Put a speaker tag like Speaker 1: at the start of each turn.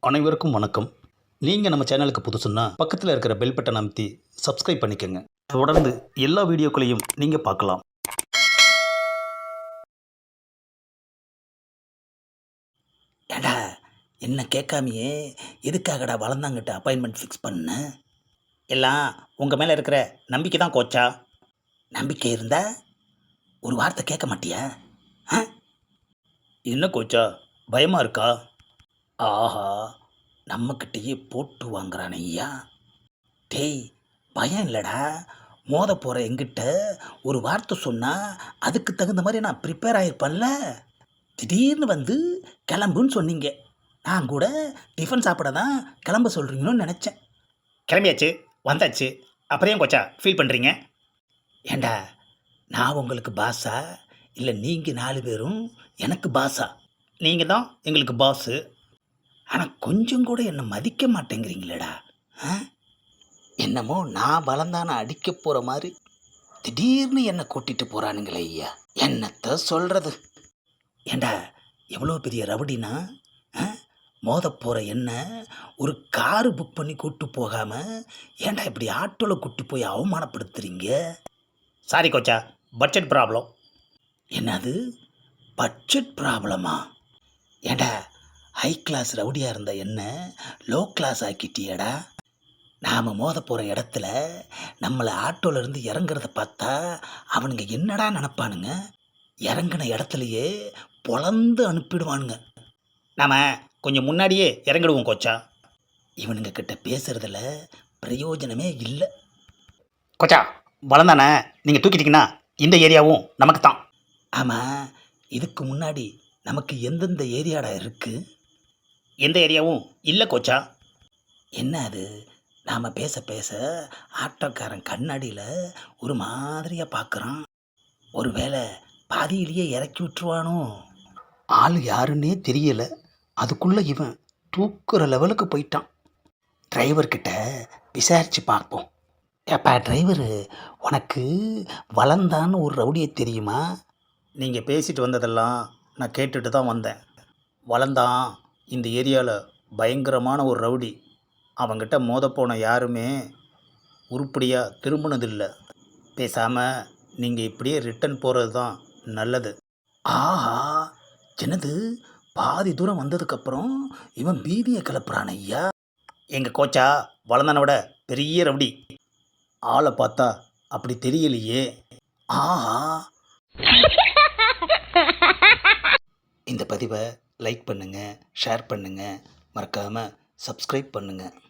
Speaker 1: அனைவருக்கும் வணக்கம். நீங்கள் நம்ம சேனலுக்கு புதுசுன்னா பக்கத்தில் இருக்கிற பெல் பட்டன் அமைத்தி சப்ஸ்கிரைப் பண்ணிக்கோங்க. தொடர்ந்து எல்லா வீடியோக்களையும் நீங்கள் பார்க்கலாம்.
Speaker 2: ஏடா என்ன கேட்காமையே எதுக்காகடா வளர்ந்தாங்கிட்ட அப்பாயின்மெண்ட் ஃபிக்ஸ் பண்ண? எல்லாம் உங்கள் மேலே இருக்கிற நம்பிக்கை தான் கோச்சா. நம்பிக்கை இருந்தா ஒரு வார்த்தை கேட்க மாட்டியா? ஆ?
Speaker 1: என்ன கோச்சா, பயமாக இருக்கா?
Speaker 2: ஆஹா, நம்மக்கிட்டேயே போட்டு வாங்குறானே ஐயா. டேய், பயம் இல்லைடா. மோத போகிற எங்கிட்ட ஒரு வார்த்தை சொன்னால் அதுக்கு தகுந்த மாதிரி நான் ப்ரிப்பேர் ஆகிருப்பேன்ல. திடீர்னு வந்து கிளம்புன்னு சொன்னீங்க. நான் கூட டிஃபன் சாப்பிட தான் கிளம்ப சொல்கிறீங்களோன்னு நினச்சேன்.
Speaker 1: கிளம்பியாச்சு, வந்தாச்சு. அப்புறம் ஏன் கோச்சா ஃபீல் பண்ணுறீங்க?
Speaker 2: ஏண்டா, நான் உங்களுக்கு பாஸா இல்லை நீங்கள் 4 பேரும் எனக்கு பாஸா?
Speaker 1: நீங்கள் தான் எங்களுக்கு பாஸு.
Speaker 2: ஆனால் கொஞ்சம் கூட என்னை மதிக்க மாட்டேங்கிறீங்களேடா. ஆ? என்னமோ நான் பலந்தான அடிக்க போகிற மாதிரி திடீர்னு என்னை கூட்டிகிட்டு போகிறானுங்களே ஐயா. என்னத்தை சொல்கிறது? ஏண்டா, எவ்வளோ பெரிய ரவுடினா மோத போகிற என்ன ஒரு காரு புக் பண்ணி கூப்பிட்டு போகாமல் ஏண்டா இப்படி ஆட்டோவில் கூட்டி போய் அவமானப்படுத்துறீங்க?
Speaker 1: சாரி கோச்சா, பட்ஜெட் ப்ராப்ளம்.
Speaker 2: என்னது பட்ஜெட் ப்ராப்ளமா? ஏண்டா, ஹை கிளாஸ் ரவுடியாக இருந்த என்ன லோ கிளாஸ் ஆக்கிட்டியடா. நாம் மோத போகிற இடத்துல நம்மளை ஆட்டோலேருந்து இறங்குறத பார்த்தா அவனுங்க என்னடா நினப்பானுங்க? இறங்கின இடத்துலையே பொழந்து அனுப்பிடுவானுங்க.
Speaker 1: நாம் கொஞ்சம் முன்னாடியே இறங்கிடுவோம் கோச்சா.
Speaker 2: இவனுங்க கிட்ட பேசுகிறதுல பிரயோஜனமே இல்லை.
Speaker 1: கோச்சா, வளர்ந்தானே நீங்கள் தூக்கிட்டீங்கன்னா இந்த ஏரியாவும் நமக்கு தான்.
Speaker 2: ஆமாம், இதுக்கு முன்னாடி நமக்கு எந்தெந்த ஏரியாடா இருக்குது?
Speaker 1: எந்த ஏரியாவும் இல்லை கோச்சா.
Speaker 2: என்ன அது, நாம் பேச பேச ஆட்டோக்காரன் கண்ணாடியில் ஒரு மாதிரியாக பார்க்குறான். ஒருவேளை பாதியிலேயே இறக்கி விட்டுருவானோ? ஆள் யாருன்னே தெரியல, அதுக்குள்ளே இவன் தூக்குற லெவலுக்கு போயிட்டான். டிரைவர்கிட்ட விசாரித்து பார்ப்போம். ஏப்பா டிரைவரு, உனக்கு வளர்ந்தான்னு ஒரு ரவுடியை தெரியுமா?
Speaker 1: நீங்கள் பேசிட்டு வந்ததெல்லாம் நான் கேட்டுட்டு தான் வந்தேன். வளர்ந்தான் இந்த ஏரியாவில் பயங்கரமான ஒரு ரவுடி. அவங்கிட்ட மோதப்போன யாருமே உருப்படியாக திரும்பினதில்லை. பேசாமல் நீங்கள் இப்படியே ரிட்டன் போகிறது தான் நல்லது.
Speaker 2: ஆஹா, என்னது பாதி தூரம் வந்ததுக்கப்புறம் இவன் பீதியை கிளப்புறான் ஐயா.
Speaker 1: எங்கள் கோச்சா வளர்ந்தானை விட பெரிய ரவுடி. ஆளை பார்த்தா அப்படி தெரியலையே.
Speaker 2: ஆஹா. இந்த பதிவை லைக் பண்ணுங்கள், ஷேர் பண்ணுங்கள், மறக்காமல் சப்ஸ்கிரைப் பண்ணுங்கள்.